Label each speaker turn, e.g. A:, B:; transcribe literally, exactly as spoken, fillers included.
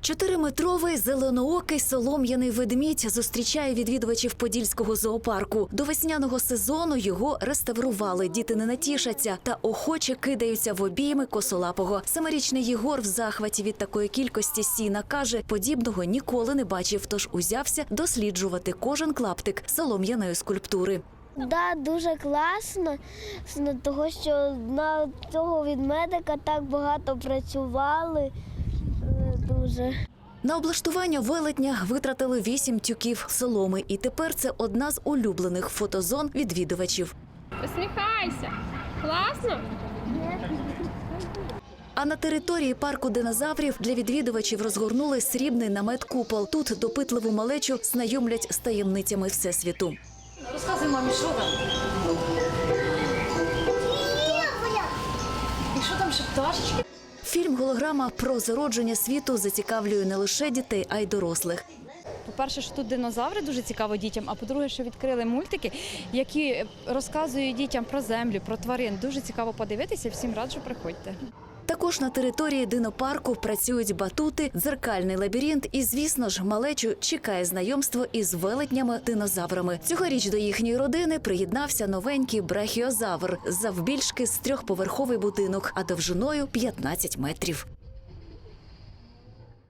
A: Чотириметровий зеленоокий солом'яний ведмідь зустрічає відвідувачів Подільського зоопарку. До весняного сезону його реставрували, діти не натішаться та охоче кидаються в обійми косолапого. Семирічний Єгор в захваті від такої кількості сіна каже, подібного ніколи не бачив, тож узявся досліджувати кожен клаптик солом'яної скульптури.
B: Да, дуже класно, того що на цього ведмедика так багато працювали. Дуже.
A: На облаштування велетня витратили вісім тюків соломи, і тепер це одна з улюблених фотозон відвідувачів.
C: Посміхайся! Класно?
A: А на території парку динозаврів для відвідувачів розгорнули срібний намет-купол. Тут допитливу малечу знайомлять з таємницями Всесвіту.
D: Розказуй мамі, що там? І що там ще пташечки?
A: Фільм-голограма про зародження світу зацікавлює не лише дітей, а й дорослих.
E: По-перше, що тут динозаври дуже цікаво дітям, а по-друге, що відкрили мультики, які розказують дітям про землю, про тварин. Дуже цікаво подивитися, всім раджу, приходьте.
A: Також на території динопарку працюють батути, дзеркальний лабіринт і, звісно ж, малечу чекає знайомство із велетнями-динозаврами. Цьогоріч до їхньої родини приєднався новенький брахіозавр, завбільшки з трьохповерховий будинок, а довжиною п'ятнадцять метрів.